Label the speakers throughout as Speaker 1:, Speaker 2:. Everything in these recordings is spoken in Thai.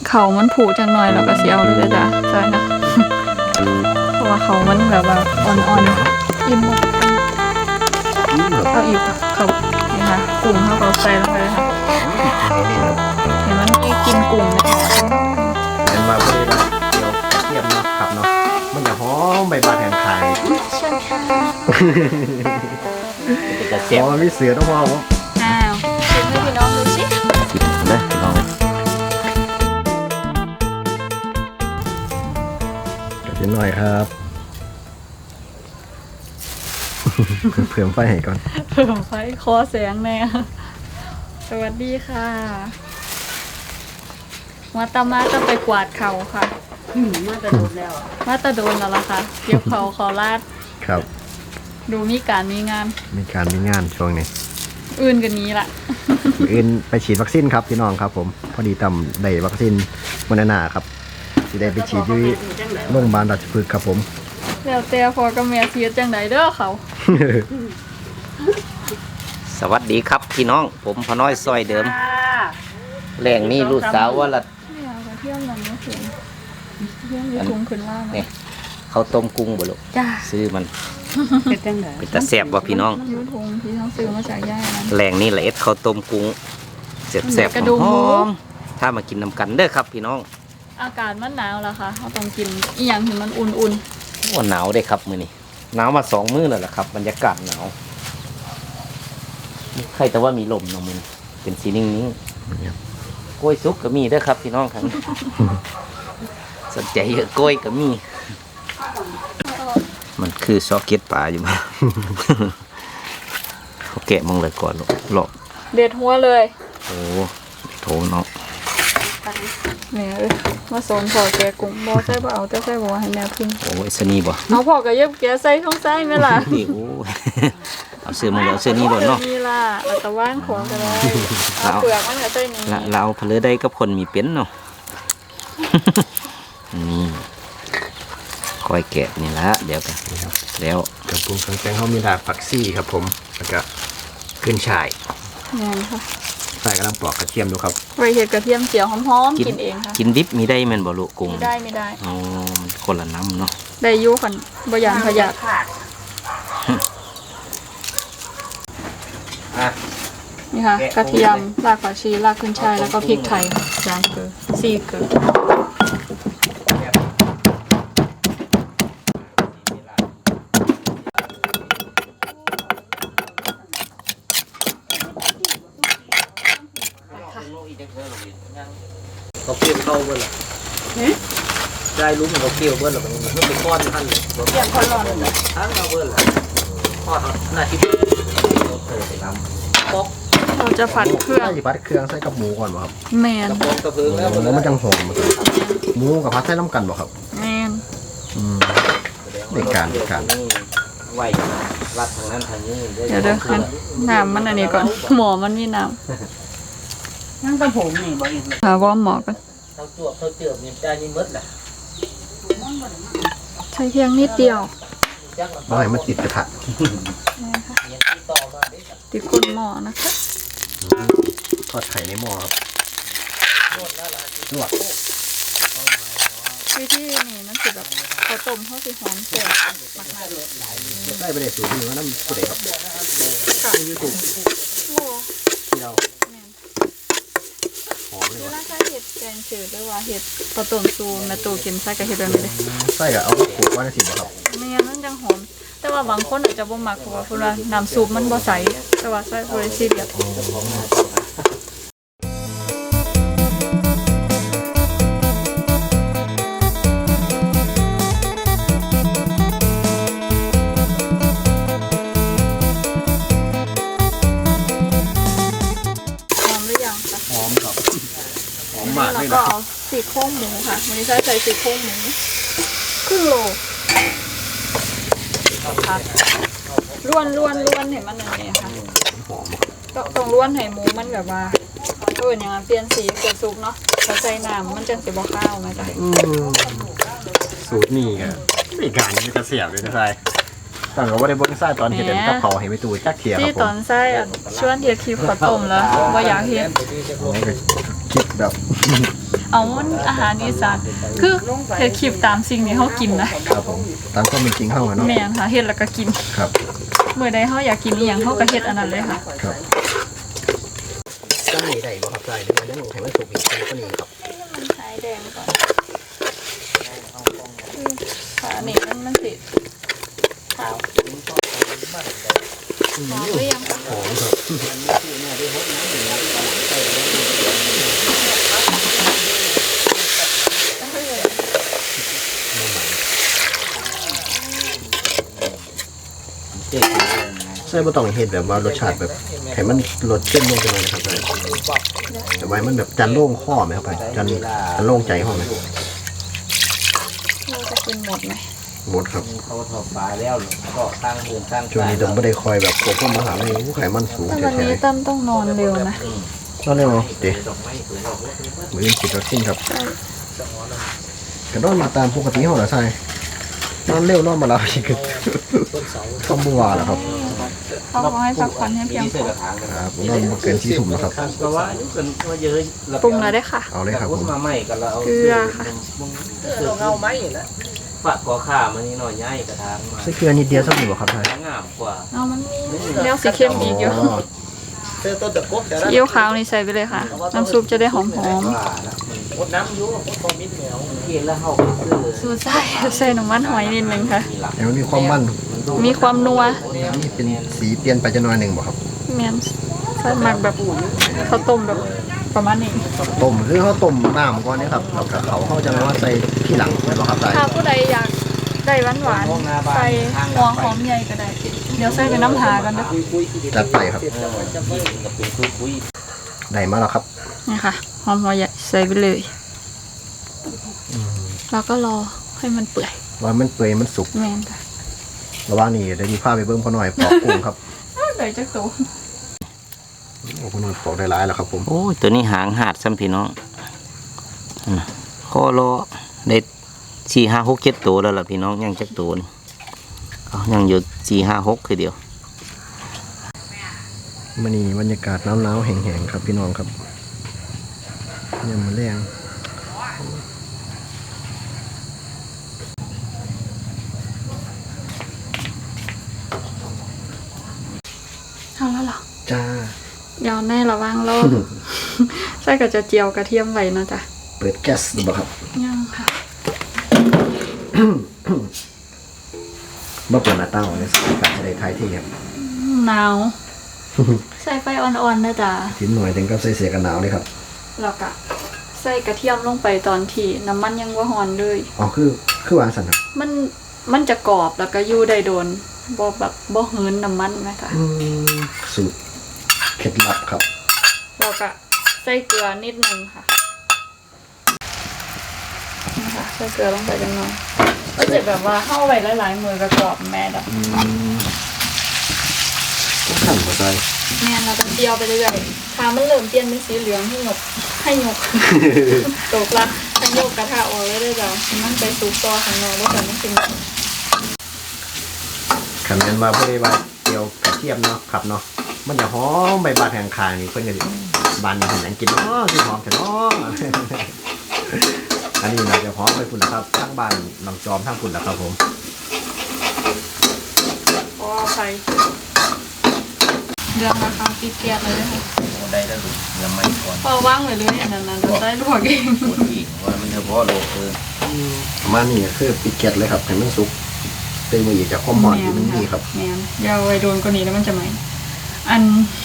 Speaker 1: เขามันผูจังหน่อยเราก็สิเอาเลยจ้ะใช่นะ เพราะว่าเขามันแบบว่าอ่อนๆอิ่มหมดเอาอีกเขานี่ค่ะกุ้งเขาใส่ลงไปเลยค่ะเห็นมันมีกินกุ้งในหม้อ
Speaker 2: เห็นมาเพื่อเดี๋ยวเทียมเนาะขับเนาะมันจะหอมใบบาแทนไข่
Speaker 1: เชิญค่ะ
Speaker 2: จะเสียมันไม่เสือต้องมอง
Speaker 1: อ้าวชิมให้พี่น้องดูสิ
Speaker 2: นะลองเดี๋ยวหน่อยครับ เผื่อไฟให้ก่อน
Speaker 1: เพิ่มไฟคอแสงแน่สวัสดีค่ะมาตามาจะไปกวาดเขาค่ะ
Speaker 3: มาแต่โดนแล้ว
Speaker 1: มาตาโดนแล้วล่ะค่ะเก็บเขาขอลาด
Speaker 2: ครับ
Speaker 1: ดูมีการมีงาน
Speaker 2: มีงานช่วงนี้
Speaker 1: อื่นกันนี้ละ
Speaker 2: อื่นไปฉีดวัคซีนครับพี่น้องครับผมพอดีต่ำได้วัคซีนโมเดอร์นาครับสิได้ไปฉีดที่โรงพยาบาลราชพฤกษ์ครับผม
Speaker 1: แล้วแต่พอกับแม่เสียจังไดเด้อเขา
Speaker 3: สวัสดีครับพี่น้องผมพอน้อยซอยเดิมแหล่งนี้ลูกสาวว่าละ
Speaker 1: เนี่ยกระเทียมมันไม่ถึงเทียมอยู่ถุงขึ้นล่าง
Speaker 3: นี่เขาต้มกุ้งบ่ลูก
Speaker 1: จ้า
Speaker 3: ซื้อมัน
Speaker 1: เป็นจังได
Speaker 3: เป็นตาแซ่บว่พี่น้อง
Speaker 1: ยูถุงที่เขาซื้อมาจากย่านั้น
Speaker 3: แหล่งนี้ละเอ็ดเขาต้มกุ้งแซ่บ
Speaker 1: กระดูก
Speaker 3: ๆห
Speaker 1: หมู
Speaker 3: อมๆถ้ามากินน้ำกันเด้อครับพี่น้อง
Speaker 1: อากาศมันหนาวแล้วค่ะเขาต้องกินอีหยังที่มันอุ่น
Speaker 3: ว่าหนาวได้ครับมื้อนี้หนาวมา2 มื้อแล้วล่ะครับบรรยากาศหนาวใครแต่ว่ามีลมเนาะมื้อนี้เป็นสีนิ่งๆกล้วยสุกก็มีเด้อครับพี่น้องครับ สนใจเยอะกล้วยก็มี มันคือซอกเก็ตปลาอยู่มั้ง เขาแกะมองเลยก่อนหลอก
Speaker 1: ๆเด็ดหัวเลย
Speaker 3: โอ้โถเนาะ
Speaker 1: แม่เอ้ยมาสอนพอแกกุ้งบ่ใส่บ่เอาแต่ใส่บ่ว่าให้แม่พิง
Speaker 3: โอ้ยสนีบ่
Speaker 1: เอาพอก็เย็บแกใส่ท้องไส้ไหมล่ะ
Speaker 3: นี่โอ้ย เอาเสื้อมาเอาเสื้อนี้โดนเนาะ
Speaker 1: นี่ล่ะแล้วก็ว่างของก็ได้เอาเปลือกมันก็ใส่นี่
Speaker 3: ละเราเอาเพลือได้กับคนมีเป็นเนาะ นี่ก้อยแกะนี่ละเดี๋ยวกันแล้ว
Speaker 2: กระปุกเครื่องแกงเขามีดาบผักซี่ครับผมแล้วก็ขึ้นฉ่าย
Speaker 1: แม่นค่ะ
Speaker 2: ใส่กำลังปลอกกระเทียมดูครับ
Speaker 1: ไว้เฮ็ดกระเทียมเจียวหอมๆกินเองค่ะ
Speaker 3: กินดิบมีได้แม่นบ่ลูกกุ้ง
Speaker 1: ไม่ได้
Speaker 3: อ๋อมันคนละน้ำเนาะ
Speaker 1: ได้อยู่คันบ่ยานพยาธิ
Speaker 3: อ่ะ
Speaker 1: นี่ค่ะกระเทียมรากผักชีรากขึ้นช่ายแล้วก็พริกไทย3 เกลือ4 เกลือ
Speaker 3: เขาเกี่ยวเข้าเบิ้ลหรอได้รู้มันเขาเกี่ยวเบิ้ลหรอมันเป็นก้อนท่านเลย
Speaker 1: เกี่ยงคนร้อนเลย
Speaker 3: ทั้งเราเบิ้ลหรอทอดหน้าที่เราเติมไปน้ำป๊อก
Speaker 1: เราจะผัดเครื่อง
Speaker 2: ใส่ผัดเครื่องใส่กับหมูก่อนบ่ครับ
Speaker 1: แมน
Speaker 3: กระป๋องกระเพิงแล้ว
Speaker 2: แล้วมันจังหอมหมูกับผัดใส่น้ำกันบ่ครับ
Speaker 1: แมน
Speaker 2: ในการ
Speaker 3: ไหวรัดทางนั้นทางนี้
Speaker 1: เดี๋ยวคันน้ำมันอันนี้ก่อนหมอมันมีน้
Speaker 3: นั่งกระผมนี่บ่อิน
Speaker 1: ำหาวอร์มหมอก่อน
Speaker 3: เขาจวบเขาเจือบมีใจนี่มดแหละ
Speaker 1: ใช้เพียงนิดเดียว
Speaker 2: บ่ให้มันติดกระทะ
Speaker 1: ติดก้นหม้อนะคะ
Speaker 2: ทอดไข่ในหม้อครับลวก
Speaker 1: วิธีนี่มันสิแบบข้าวต้มเขาสิหอมแซ่บมาก
Speaker 2: ใส่ไปได้สูตรนี้ว่าน้ำสุดเลยครับ
Speaker 1: ๆค่ะ
Speaker 2: ยูทูบ
Speaker 1: โอ้
Speaker 2: ที่เรา
Speaker 1: แม่น
Speaker 2: หอมเลย
Speaker 1: เว
Speaker 2: ว่ะ
Speaker 1: ลาใช้เห็ดแกงจืดหรือว่าเห็ดข้าวต้มซูแม่ตูกินใส่กับเห็ดแบบนี้เลย
Speaker 2: ใส่กับเอาขูดไว้ในสิบบ่ครับ
Speaker 1: ไม่งั้นมันจังหอม แต่ว่าบางคนอาจจะบ่มักเพราะว่าเพิ่นว่าน้ำซุปมันบ่ใสแต่ว่าใส่บ่ได้ซีเรียสหอมหรือยังคะ
Speaker 2: หอมครับหอม
Speaker 1: นี่
Speaker 2: มาก
Speaker 1: เรา
Speaker 2: เลย
Speaker 1: ก็
Speaker 2: นะ
Speaker 1: เอาซี่โครงหมูค่ะวันนี้ใส่ซี่โครงหมูครึ่งโลค่ะล้วนให้มันอันนี้ค่ะ
Speaker 2: หอม
Speaker 1: ต้องล้วนให้หมูมันแบบว่าอย่างนั้นเปลี่ยนสีเกิดซุปเนาะพอใส่น้ำมันจังสิบ่ข้าวไหมจ๊ะ
Speaker 2: สูตรนี่ก็มีการมีกระเสียบเลยนะใส่ตั้งแต่ว่าได้เบิ้งไส้ตอนเห็ดเด่นกับเขาให้ไปตูจักเทียค
Speaker 1: ที่
Speaker 2: รับผ
Speaker 1: ตอ
Speaker 2: ม
Speaker 1: นใส่ชวนเฮ็ดคลิปข้าวต้มแล้วว่าอยากเฮ็ด
Speaker 2: คิดแบบ
Speaker 1: เอาเอามันอาหารอีสานคือเฮ็ดคลิปตามสิ่งที่เฮากินนะครับ
Speaker 2: ผมตามความเป็นจริงเข้ามาเนาะ
Speaker 1: แม่นค่ะเฮ็ดแล้วก็กิน
Speaker 2: ครับ
Speaker 1: เมื่อใดเฮาอยากกินอีหยังเฮาก็เฮ็ดอันนั้นเลยค่ะ
Speaker 2: ครับตั้งนี้ได้บ่ครับได้หรือว่ายังให้มันสุกอีกก็นี่ครับ
Speaker 1: มันหายแดงก่อนขานี่มันสิขาวหอมหรือยังคะ
Speaker 2: หอมครับใส่บ่ต้องเฮ็ดแบบว่ารสชาติแบบให้มันรสเข้มลงไปเลยนะครับแต่ว่ามันแบบจันโล่งข้อไหมครับไปจันโล่งใจข้อไหม
Speaker 1: เราจะกินหมดไหม
Speaker 2: หมดครับ
Speaker 3: เขาทอฟ้าแล้วก็ตั้งเงินตั้ง
Speaker 2: ช่วงนี้ต้องไม่ได้คอยแบบโกโก้มาหาเลยไขมันสูง
Speaker 1: แต่
Speaker 2: แท้
Speaker 1: วันนี้ตั้มต้องนอนเร็วนะ
Speaker 2: ๆนอนเร็วเดี๋ยวมืออื่นฉีดวัคซีนครับกระโดดมาตามปกติห้องเหรอใช่นอนเร็วนอนมาแล้วชิคกี้เข้าบัวแล้วครับ
Speaker 1: เขาบอกให้พักผ่อนให้เพียงพอ
Speaker 2: ครับผมนอนบ่เกิน4 ทุ่มแล้วครับ
Speaker 3: ก็ว่าอยู่กันว่าเยอะ
Speaker 1: ปรุงแล้วได้ค่ะ
Speaker 2: เอาเลยครับผม
Speaker 3: มาใหม่กันแล้วเอา
Speaker 1: เกลือค่ะ
Speaker 3: เงาไหมนะฝากกอข่ามันนี่หน่อยย่ายกระทางมา
Speaker 2: ใส่เกลือนิดเดียวสักหนึ่งบ่ครับท่าน
Speaker 3: งามกว่า
Speaker 1: เอามันเลี้ยวสีเข้มอีกอยู่ซีอิ๊วขาวนี่ใส่ไปเลยค่ะ น้ำซุปจะได้หอม
Speaker 3: ว่ามันน้ำยุ่งพอมิดแมวเห็นแล้วเขา
Speaker 1: ๆ
Speaker 3: ซื้อ
Speaker 1: สูตรใส่น้ำมันหอยนิดนึงค่ะ
Speaker 2: แต่มันมีความมัน
Speaker 1: มีความนัว
Speaker 2: นี่เป็นสีเปลี่ยนไปจะหน่อยหนึ่งบ่ครับ
Speaker 1: แมนใส่หมักแบบข้าวต้มแบบประมาณนี้
Speaker 2: ต้มคือเขาต้มน้ำก่อนนี่ครับแล้วก็เขาจะมาใส่ที่หลังใช่บ่ครับได้
Speaker 1: ถ้าผู้ใดอยากได้หวานๆใส่หัวหอมใหญ่ก็ได้ เดี๋ยวใส่เป็นน้ำหากันเด้อ
Speaker 2: จัดไปครับ
Speaker 3: กับเป็นคุย
Speaker 2: ได้มาแล้วครับ
Speaker 1: นี่ค่ะหอมหัวใหญ่ใส่ไปเลย แล้วก็รอให้มันเปื่อย
Speaker 2: ว่ามันเปื่อยมันสุก
Speaker 1: แมนค่ะ
Speaker 2: ระหว่างนี้เดี๋ยวมีผ้าไปเบิ่งพอหน่อยปอกกุ้งครับ
Speaker 1: ได้จักตัว
Speaker 2: โอ้พอหน่อยปอกได้หลายแล้วครับผม
Speaker 3: โอ้ยตัวนี้หางหาดซ้ำพี่น้องข้อรอได้4 5 6 7ตัวแล้วล่ะพี่น้องยังจักตัวนี่ยังอยู่4 5 6คือเดียว
Speaker 2: มื้อนี้บรรยากาศหนาวๆแห้งๆครับพี่น้องครับยามมื้อแลง
Speaker 1: เอาแล้วเหรอ
Speaker 2: จ้า
Speaker 1: ยาวแน่ระวังรอ ใส่กับจะเจียวกระเทียมไว้นะจ๊ะ
Speaker 2: เปิดแก๊สดูบ่ครับ
Speaker 1: ยังค่ะ
Speaker 2: บ่เปิดหน้าต่างไว้ในสถานการณ์จะได้ทายที่ครับ
Speaker 1: หนาว ใส่ไฟอ่อนๆนะจ๊ะ
Speaker 2: ทิ้นหน่อยถึงกับใส่เสียกันหนาวเลยครับ
Speaker 1: แล้วก็ใส่กระเทียมลงไปตอนที่น้ำมันยังว่าหอนเลย
Speaker 2: อ๋อคือวางสั่นครับ
Speaker 1: มันจะกรอบแล้วก็อยู่ได้โดนบ่แบบบ่เหินน้ำมันไหมคะ
Speaker 2: สูตรเคล็ดลับครับ
Speaker 1: แล้วก็ใส่เกลือนิดนึงค่ะนี่ค่ะใส่เกลือลงไปจังหน่อยก็จะแบบว่าเข้าไปหลายๆมือก็กรอบแม่ดอก
Speaker 2: ขั้นหัวใจ
Speaker 1: แม่เราจะเจียวไปเรื่อยๆถ้ามันเริ่มเปลี่ยนเป็นสีเหลืองให้หยก ตกละให้ยกกระทะออกเลยได้จ้ะมันไปสุกต่อข้างนอกแล้วกันไม่กิน
Speaker 2: ขันนั้นว่าเพื่อว่าเกี่ยวกระเทียมเนาะครับเนาะมันจะหอมใบบานแห่งคางนี่เพื่อนกันบานนี่เห็นหยังกินเนาะที่หอมแต่เนาะ อันนี้เราจะหอมไปฝุ่นนะครับทั้งบานลำจอมทั้งฝุ่นแล้วครับผม
Speaker 1: เพราะว่าไฟเดือดนะคะปิดแก๊สเลยนะคะ
Speaker 3: ได้แล้วลูกยังไม่ก่อน
Speaker 1: พอว่างไว้เลยอันนั้นจะได้ลวกเอง
Speaker 3: ปวดอีกว่ามันเฉพาะโลก
Speaker 2: ประมาณนี้คือปิดแก๊สเลยครับให้มันสุกเติมมาอีกจากความหอมที่มันดีครับ
Speaker 1: แมนอย่าเอาไว้โดนกว่านี้แล้วมันจะไหมอัน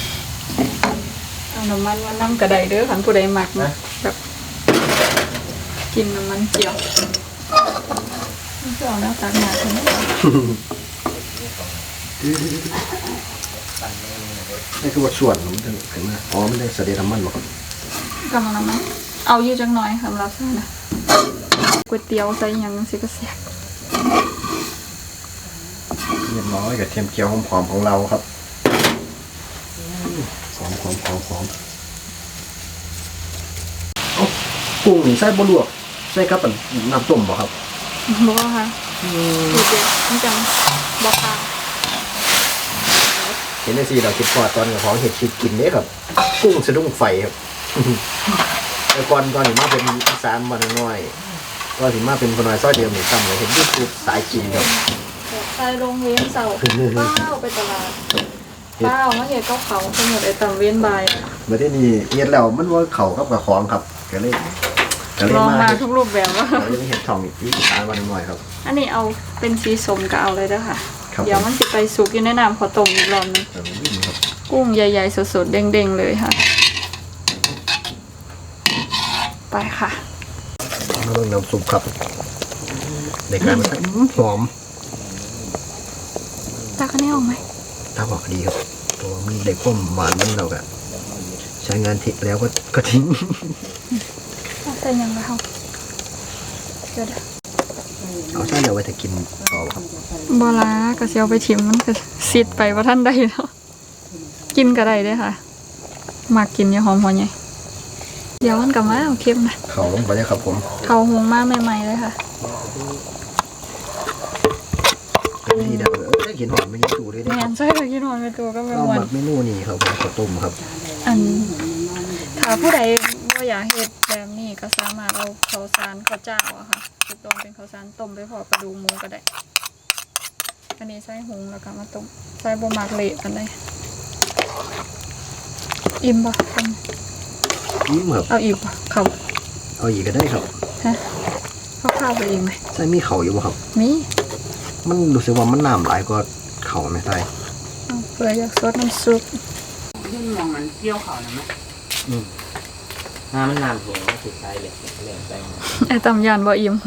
Speaker 1: เอาน้ำมันว่าน้ำกระไดเด้อขันผู้ใดหมักนะแบบกินน้ำมันเจียวมันจะเอาหน้าตาหนาใช่ไหม
Speaker 2: นี่คือว่าส่วนมันจะเห็นไหมอ๋อมันได้เสด็จน้ำมันหรอครับ
Speaker 1: กำลังน้ำมันเอาอยู่จังหน่อยสำหรับซ่านะก๋วยเตี๋ยวใส่หยังสิก็เสีย
Speaker 2: เรียบร้อยกับเทียมเกี๊ยวหอมๆของเราครับหอมกุ้งนี่ใส่บะลวกใส่กับน้ำต้มบ่ครับ
Speaker 1: บอกว่าค่ะดูเด็ดมันจังบอกค่ะ
Speaker 2: เห็นได้สิเราคิดพอตอนกับของเห็ดชิดกินเนี่ยครับ กุ้งสะดุ้งไฟครับแต่ก่อนถึงมาเป็นอีสานมาหน่อยก็ถึงมาเป็นคนน้อยซอยเดียวหนูจำเลยเห็นยูทูบสายกินครับ
Speaker 1: ใส่โรงเรียนเสาป้าวไปตลาดป้าวมาเห็ดเขาสมุดไอ้ตำเวียนใบ
Speaker 2: เมื่อที่นี่เฮ็ดแล้วมันว่าเขากับกับของครับก็เลย
Speaker 1: ลองมาทุกรูปแบบว่า
Speaker 2: ก็เลยเห็ดช่องอีสานมาหน่อยครับ
Speaker 1: อันนี้เอาเป็นสีส้มก็เอาเลยเด้อค่ะ
Speaker 2: ครับ
Speaker 1: เดี๋ยวมันจะไปสุกอยู่ในน้ำขอต้มอีกรอบนึง
Speaker 2: แบบนี้ครับ
Speaker 1: กุ้งใหญ่ๆสดๆเด้งๆเลยค่ะ ไปค่ะ
Speaker 2: มาลงน้ำซุปครับในการมันหอม
Speaker 1: ตาคะแนนออกไหม
Speaker 2: ตาบอกดีครับตัวมันได้ความหวานมันเราก็ใช้งานทิ้งแล้วก็ทิ้ง
Speaker 1: เอาใส่ยังไงเขาเดี๋ยว
Speaker 2: เอาใช่เดี๋ยวไว้ถ้ากินต่อครับ
Speaker 1: บอลากระเซียวไปชิมมันก็ซิดไปว่าท่านใดแล้วกินก็ได้เด้อค่ะมากินอย่าหอมหัวใหญ่เดี๋ยวมันกลับมาเอาเค็มนะ
Speaker 2: เขาลงไปเลยครับผม
Speaker 1: เขาหงมาใหม่ๆเลยค่ะ
Speaker 2: เป็นที่เดียวได้กินหอมไม่ยังดูเลยนะ
Speaker 1: แม
Speaker 2: ครับ
Speaker 1: นใช่ค่ะกินหอมไปตัวก็ไม่
Speaker 2: เอา
Speaker 1: หว
Speaker 2: ห
Speaker 1: น
Speaker 2: มักเมนูนี่ครับผมข้าวต้มครับ
Speaker 1: อันถ้าผู้ใดบ่อยากเฮ็ดแบบนี้ก็สามารถเอาข้าวสารข้าวเจ้าอะค่ะไปต้มเป็นข้าวสารต้มไปพอกระดูกหมูก็ได้ อันนี้ใส่หุงแล้วก็มาต้มใส่บ่มักเละกันได้อิ่มบ่คน
Speaker 2: ครับ
Speaker 1: เอาอีกบ่เขา
Speaker 2: เอาอีกก็ได้ครับ
Speaker 1: ฮะเขาข้าวไปอีกไหม
Speaker 2: ใส่มีเขาอยู่บ่ครับ
Speaker 1: มี
Speaker 2: มันรู้สึกว่ามันน้ำหลายกว่าเขาไหมใส่
Speaker 1: เอาเผื่ออยากซดน้ำซุป
Speaker 4: ยิ่งมองมันเกี่ยวเขานะมั้ย
Speaker 3: น้ำมันน้ำแห้งมันสุดท้ายเลยแรงไป
Speaker 1: ไอ้ตำยานบ่อิ่ม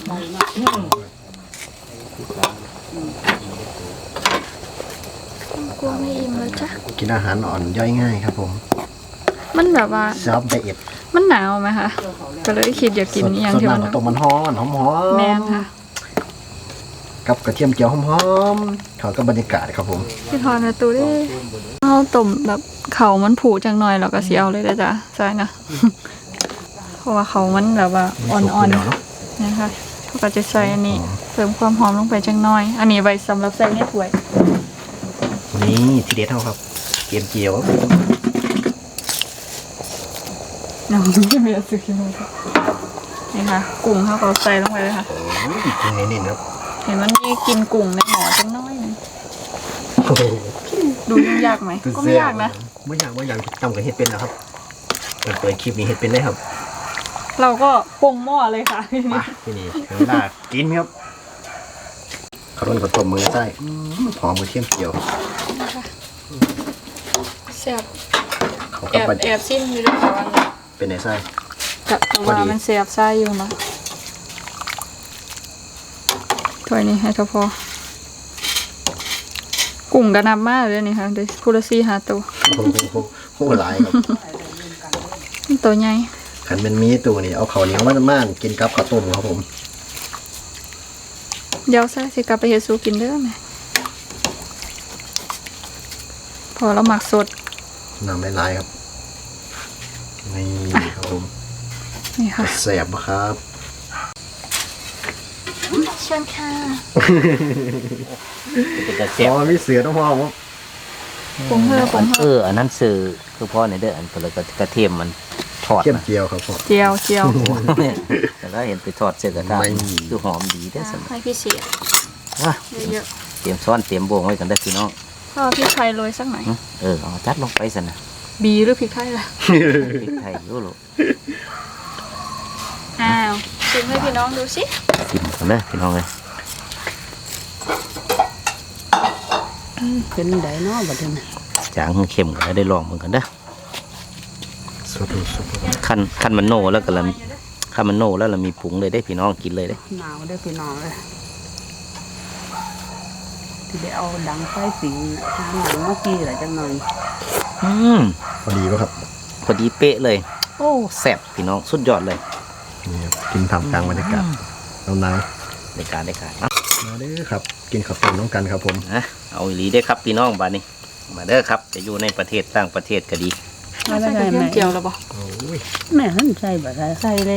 Speaker 1: กลัวไม่อิ่มแล้วจ้ะ
Speaker 2: กินอาหารอ่อนย่อยง่ายครับผม
Speaker 1: มันแบบว่า
Speaker 2: ซอฟต์ไดเอท
Speaker 1: มันหนาวไหมคะก็เลยคิดอยากกินอหย่างที่มัน
Speaker 2: สดน้ำข้าวต้มมันหอม
Speaker 1: แมนค่ะ
Speaker 2: กับกระเทียมเจียวหอมๆเขากับบรรยากาศครับผม
Speaker 1: พี่ทอนมาตูได้เอาต้มแบบเขามันผูจังหน่อยเราก็เสียเอาเลยได้จ้ะใช่นะ เพราะว่าเขามันแบบว่าอ่อนๆนะคะเขาก็จะใส่อันนี้เพิ่มความหอมลงไปจังหน่อย อันนี้ไว้สำหรับใส่ในถ้วย
Speaker 2: นี่ทีเด็ดเท่าครับเทียมเจียว
Speaker 1: น้ำไม่มีสุกี้เลยนี่ค่ะกุ้งเขาก็ใส่ลงไปเลยค่ะ
Speaker 2: กินเน้นๆครับ
Speaker 1: เห็นมันมีกินกุ้งในหม้อจังน้อยหนึงดูยุ่งยากไหมก็ไม่ยากนะ
Speaker 2: ไม่ยากจำกับเห็ดเป็นนะครับเปิดคลิปนี้เห็ดเป็นได้ครับ
Speaker 1: เราก็ปรุงหม้อเลยค่ะ
Speaker 2: มาที่นี่ถึงเวลากินครับข้าวต้มข้าวต้มมือไส้หอมกระเทียมเจียว
Speaker 1: แซ่บ
Speaker 2: เขา
Speaker 1: แอ
Speaker 2: กับบ
Speaker 1: แอบซิมอยู่ด้วยค่ะวันนี้
Speaker 2: เป็นไงไส้
Speaker 1: กับว่ามันแซ่บไส้อยู่นะถ้วยนี้ให้เท่าพอกุ้งกระนับมากเลยนี่ค่ะเดี๋ยวพูดซี่หาตัว
Speaker 2: โอ้หลายครับ
Speaker 1: ตัวใหญ่
Speaker 2: ขันเป็นมีตัวนี่เอาข้าวเหนียวมากินกับข้าวต้มครับผม
Speaker 1: เดี๋ยวใส่สิกลับไปเฮ็ดซูกินเด้อแม่พอเราหมักสด
Speaker 2: น้ำหลายๆครับนี่ครับผม
Speaker 1: นี่ค่ะ
Speaker 2: แสบปะครับ
Speaker 1: เชิญค่ะ
Speaker 3: เป็นกระ
Speaker 2: อ๋
Speaker 3: เสียบ
Speaker 2: อมีเสือต้องพอครับ
Speaker 1: ปรุงเพิ่มปรุงเพิ่ม
Speaker 3: อันนั้นสื่อคือพ่อในเด้ออันก็เลยกระเทียมมันทอด
Speaker 2: เทียม
Speaker 3: นะ
Speaker 2: เจียวครับผม
Speaker 1: เจียว
Speaker 3: แต่แล้วเห็นไปทอดเสร็จกระทะ
Speaker 2: ไม่
Speaker 3: คือหอมดีได้อสำ
Speaker 1: ให้พี่เสีย
Speaker 3: อ่ะ
Speaker 1: เยอะ
Speaker 3: เตรียมซ้อนเตรียมบวงไว้กันได้อพี่น้อง
Speaker 1: ๆพ่อพี่ไทยโรยสักหน่อย
Speaker 3: เอาจัดลงไปสินะ
Speaker 1: บีหรือพริกไทยล่ะ
Speaker 3: พริกไทยรู้หรอ
Speaker 1: อ้าวชิมให้พี่น้องดูสิ
Speaker 3: ชิมกันเลยพี่น้องเลย
Speaker 4: เป็นไดเนาะบัดนี้
Speaker 3: จางเค็มก็ได้ลองเหมือนกันเด้อ
Speaker 2: สุด
Speaker 3: ขั้นมันโน่แล้วก็ละขั้นมันโน่แล้วเรามีผงเลยได้พี่น้องกินเลยได้
Speaker 4: หนาวได้อพี่น้องเลยที่ได้เอาดังไฟสิงทางหลังเมื่อกี้แหละจังหน่อย
Speaker 2: พอดีป่ะครับ
Speaker 3: พอดีเป๊ะเลย โอ้แซ่บพี่น้องสุดยอดเลย
Speaker 2: นี่ครับกินทำกลางบรรยากาศหนาว
Speaker 3: ในการเนาะ
Speaker 2: ๆมาเด้อครับ กินข้าวต้มน้องกันครับผม
Speaker 3: นะเอาอีหลีได้ครับพี่น้องบ้านนี้มาเด้อครับจะอยู่ในประเทศต่างประเทศก็ดี
Speaker 1: ใส่กระเทียมเจียวแล้วบ่
Speaker 2: โอ้ย
Speaker 4: แม่ท่านใส่บ่ได้
Speaker 1: ใส่แล้ว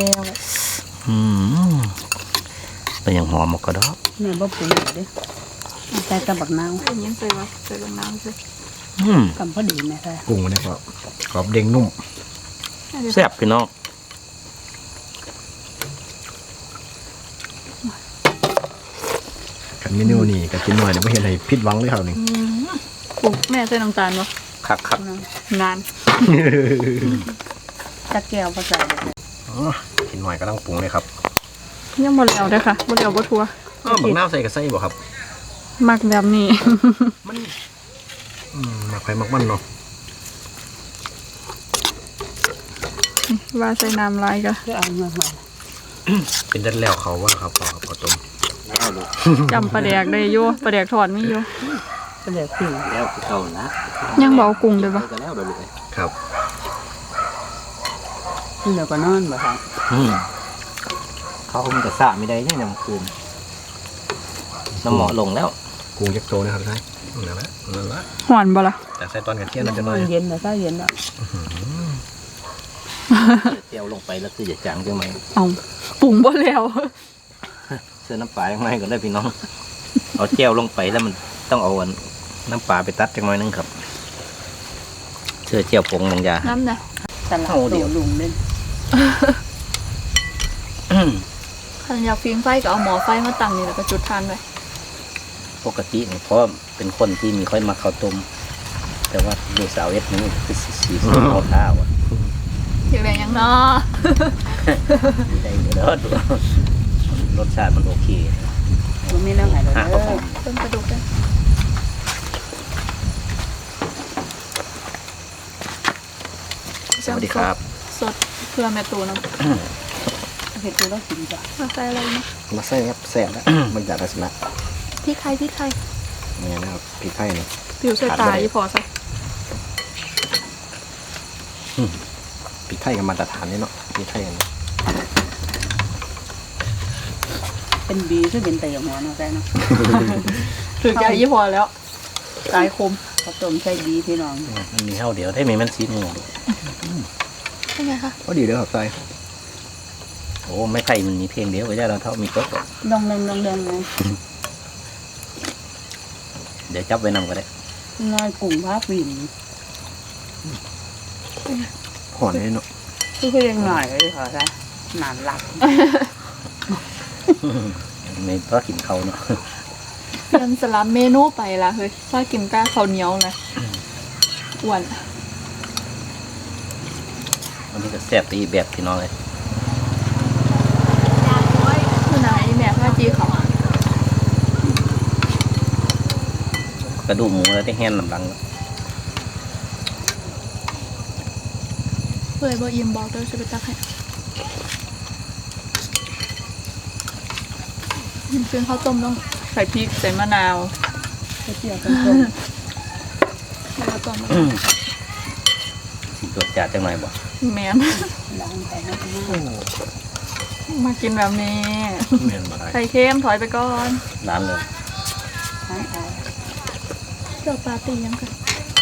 Speaker 3: เป็นอย่างหอมก็ดอก
Speaker 4: แม่บ่ปรุงเด้อใส่กระบักนาว
Speaker 1: อันนี้ใส่ว่าใส่ลงน้ำใช่
Speaker 4: กำพอดีแม่ใส่
Speaker 2: กุ้งนี่ครับกรอบเด้งนุ่ม
Speaker 3: แซ่บพี่น้อง
Speaker 2: ขันเมนูนี่ก็กินหน่อยเดี๋ยวไม่เห็นอะไรผิดหวังเลยครับนี่
Speaker 1: ปุ๊บแม่ใส่น้ำตาลบ่
Speaker 3: คัก
Speaker 1: นาน
Speaker 4: จักแก้วภาษา
Speaker 2: อ๋อกินหน่อยก็ต้องปรุงเลยครับ
Speaker 1: ยังบ่แล้วเด้อค่ะบ่แล้วบ่ทัว
Speaker 2: บักน้าวใส่กับไส้บ่ครับ
Speaker 1: มักแบบนี้
Speaker 2: มันมักไปมักมันเนาะ
Speaker 1: ว่าใส่น้ำลายก็
Speaker 4: ก็เอาเงินมา
Speaker 2: เป็นดันแล้วเขาว่าครับพอต้ม
Speaker 3: ๆแล้วลูก
Speaker 1: จำปลาแดกได้อยู่ปลาแดกทอดมีอยู่
Speaker 4: ก็เลยปิ้ง
Speaker 3: แล้วเท่านะ
Speaker 1: ยังบ่เอากุ้งด้วยบ่
Speaker 3: ก็แล้วเด้อลูก
Speaker 2: ครับ
Speaker 4: นี่เราก็นอนบ่ครับ
Speaker 3: เขาคงจะสระไม่ได้เนี่ยน้ำคืนน้ำหมอลงแล้ว
Speaker 2: กุ้งยักษ์โตนะครับใช่นั่นละ
Speaker 1: หอนบ่ล่ะ
Speaker 2: แต่ใส่ตอนกันเที่ยงเราจะน้อย
Speaker 4: เย็นนะถ้าเย็นอ่ะ
Speaker 3: เจียวลงไปแล้วคือจะจางจังไหม
Speaker 1: เอาปรุงบ่แล้ว
Speaker 3: เสื้อน้ำปลายังไงก็ได้พี่น้อง เอาเจียวลงไปแล้วมันต้องเอาน้ำปลาไปตัดจังหน่อยนึงครับเสื้อเจียวผงบางอย่าง
Speaker 1: น้ำนะ
Speaker 4: ตลาด
Speaker 3: เอาเดี๋ยว
Speaker 4: ลุงเล่น
Speaker 1: คันอยากฟิงไฟก็เอาหม้อไฟมาตั้งนี่แล้วก็จุดทานไว้
Speaker 3: ปกตินี่เพราะเป็นคนที่มีค่อยมาข้าวต้มแต่ว่าดูสาวเอสนี่คือสีเอาข้าวอ่ะ
Speaker 1: อยากได้หยังเนาะ
Speaker 3: ได้เด้อดูรสชาติมันโอเค
Speaker 4: มันมีน้ำไหลเลย
Speaker 3: ข้าวหอม
Speaker 1: เพิ่มกระดูกด้วย
Speaker 3: สวัสดีครับ
Speaker 1: สดเพื่อแม่ตูน้ำ
Speaker 4: เห็ดตัวเรากินจ้ะ
Speaker 1: มาใส่อะไรนะ
Speaker 2: มาใส่ครับแซ่บแล้วมันจากลักษณะ
Speaker 1: พริกไทย
Speaker 2: นี่นะครับพริกไทยนี่
Speaker 1: ผิวใส่ตาอีพอใส่
Speaker 2: พริกไทยกับมาตรฐานนี่เนาะพริกไทยอันนี้
Speaker 4: เป็นบีคือเป็นเตะหมอเนาะแกเนาะ
Speaker 1: ถือใจยี่พอแล้วตายคม
Speaker 4: ข้าวต้มใส่บีพี่น้อง
Speaker 3: มันมีข้าวเดียวได้ไหมมันซีหมู
Speaker 1: เป็นไงคะ
Speaker 2: ก็ดีเด้อครับใส่
Speaker 3: โอ้ไม่ไผ่มันมีเพียงเดียวไว้ได้เราเท่ามีโต๊ะ
Speaker 4: ดองเด้งไง
Speaker 3: เดี๋ยวจับไว้นำก็ได้
Speaker 4: น้อยกุ้งผ้าปิ่น
Speaker 2: ห่อนนี่เนาะ
Speaker 4: คือยังหน่อยเลยค่ะจ้ะนานหลับ
Speaker 3: ไม่เพราะกินเขาเนาะ
Speaker 1: เปลี่ยนสลับเมนูไปละเฮ้ยถ้ากินก้าข้าวเหนียวนะอ้วน
Speaker 3: วันนี้ก็แซ่บตีแบบพี่น้องเลย
Speaker 1: คือไหนแม่พ่อจีเขา
Speaker 3: กระดูกหมูแล้วได้แห้งลำลัง
Speaker 1: เคยบอกยิมบอกด้วยจะไปตักให้ยิมซื้อข้าวต้มต้องใส่พริกใส่มะนาว
Speaker 4: ไปเที่ยวกันต้ม
Speaker 1: แล้วก็ต้ม
Speaker 3: สิตรวจจัดจังหน่อยบ่
Speaker 1: แมน
Speaker 4: ล้างไปนะพี่
Speaker 1: มากินแบบนี้
Speaker 2: เห็นมาได้
Speaker 1: ไข่เค็มถอยไปก่อน
Speaker 3: ร้านเลย
Speaker 4: น้องเอา
Speaker 1: เดี๋ยวปาร์ตี้ยังกัน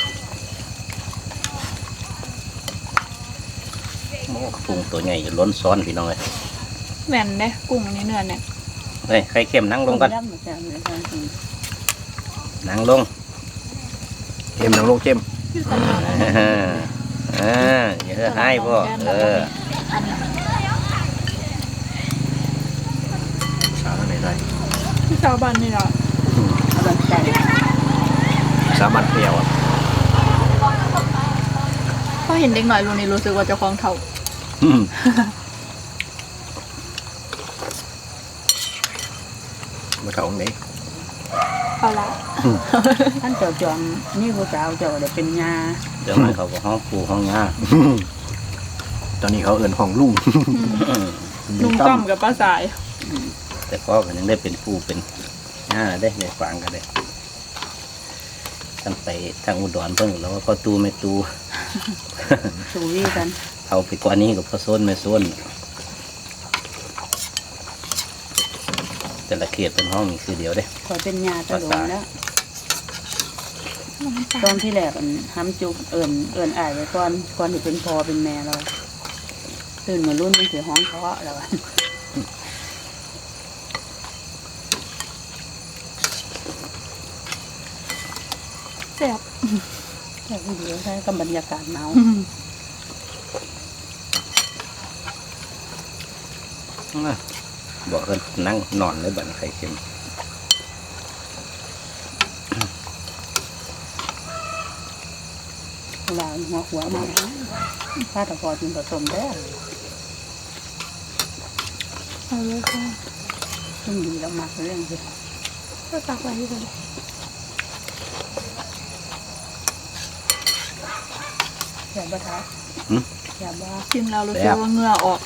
Speaker 3: โอ้ปรุงตัวใหญ่ล้นซ้อนพี่น้องเลย
Speaker 1: แม่นเด้กุ้งอันนี้เนื้อเนี่ย
Speaker 3: เฮ้ยไข่เค็มนั่งลงกัน
Speaker 4: ย่ำมาจากเลยค่ะคุณ
Speaker 3: นั่งลง
Speaker 2: เค็มน้ำโลกเค็ม
Speaker 1: ที่ตลาด
Speaker 3: อย่าให้พ่อ
Speaker 1: อันนี้
Speaker 2: สาระไหนได้
Speaker 1: ที่ชาวบ้านนี่แหละ
Speaker 4: กำลังใจ
Speaker 2: สามัญเปรี้ยวอ่ะ
Speaker 1: พอเห็นเด็กหน่อยรู้นี่รู้สึกว่าเจะคลองเท่า
Speaker 2: มาเท่าไหน
Speaker 1: เอาละ
Speaker 4: ท่านเจ้าจอมนี่ผู้สาวเจ้าได้เป็นยา
Speaker 3: เดี๋ยวมันเขาก็ห้องปูห้องงา
Speaker 2: ตอนนี้เขาเอิ้นของลุง
Speaker 1: ลุงต้อมกับป้าสาย
Speaker 3: แต่พ่อก็ยังได้เป็นปูเป็นงาได้ในฟังกันได้ตั้งไปทางอุดรเพิ่งแล้วว่าพ่อตูไม่ตู
Speaker 4: สูวีกัน
Speaker 3: เอาไปกว่านี้กับพ่อโซนไม่โซนแต่ละเขตเป็นห้องมีคือเดียวเด้
Speaker 4: ขอเป็นยาตะโดนแล้วตอนที่แรกทำจุกเอิ่นอายไว้ก่อนที่เป็นพอเป็นแม่เราตื่นมารุ่นมันเสียห้องเพาะแล้ว
Speaker 1: แซ่บ
Speaker 4: แต่วิดีโอใช้กับบรรยากาศหนาว
Speaker 3: บอกกันนั่งนอนเลยบัดนไข่เค็ม
Speaker 4: เวลาหัวมาถ้าตะพอกินผสมได้
Speaker 1: เอาเลยค่ะ
Speaker 4: ซึ่งดีแล้วมากเรื่องคือ
Speaker 1: ก็ตักไว้ที่กัน
Speaker 4: อย่าบ้าท้าอย่าบ้า
Speaker 1: ชิมแล้วรู้สึกว่าเหงื่อออก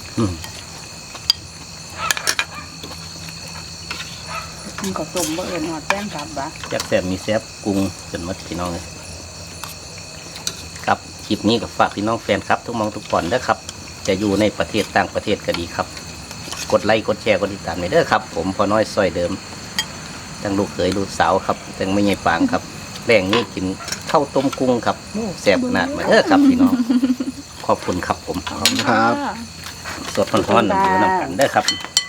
Speaker 4: มันก็ต้มบ่เอิญหอดแป้งกับบ้า
Speaker 3: จักแซ่บมีแซ่บกุ้งจนหมดพี่น้องเลยครับคลิปนี้กับฝากพี่น้องแฟนครับ ทุกมองทุกก่อนเด้อครับ จะอยู่ในประเทศต่างประเทศก็ดีครับ กดไลค์กดแชร์กดติดตามไปเด้อครับ ผมพอน้อยซอยเดิมทั้งลูกเขยลูกสาวครับทั้งไม่ใหญ่ปางครับแรงนี้กินข้าวต้มกุ้งครับแซ่บขนาดมาเด้อครับพี่น้องขอบคุณครับผม
Speaker 2: ครับ
Speaker 3: สดร้อนๆอยู่น้ำกันเด้อครับ